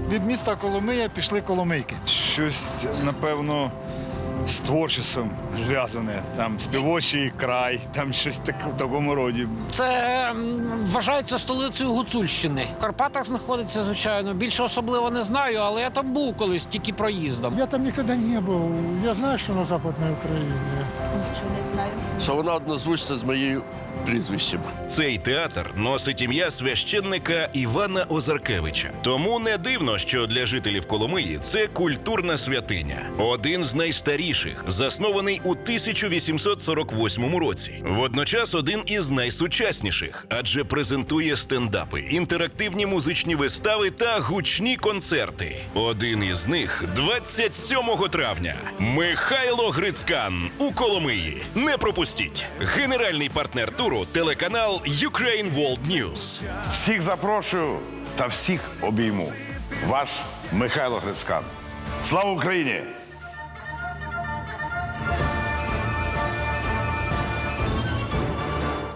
Від міста Коломия пішли коломийки. Щось, напевно, з творчістю зв'язане. Там співочий край, там щось в такому роді. Це вважається столицею Гуцульщини. В Карпатах знаходиться, звичайно. Більше особливо не знаю, але я там був колись, тільки проїздом. Я там ніколи не був. Я знаю, що на Западній Україні. Нічого не знаю. Що вона однозвучна з моєю прізвищем. Цей театр носить ім'я священника Івана Озаркевича. Тому не дивно, що для жителів Коломиї це культурна святиня. Один з найстаріших, заснований у 1848 році. Водночас один із найсучасніших, адже презентує стендапи, інтерактивні музичні вистави та гучні концерти. Один із них 27 травня. Михайло Грицькан у Коломиї. Не пропустіть! Генеральний партнер туру – телеканал Ukraine World News. Всіх запрошую та всіх обійму. Ваш Михайло Грицькан. Слава Україні!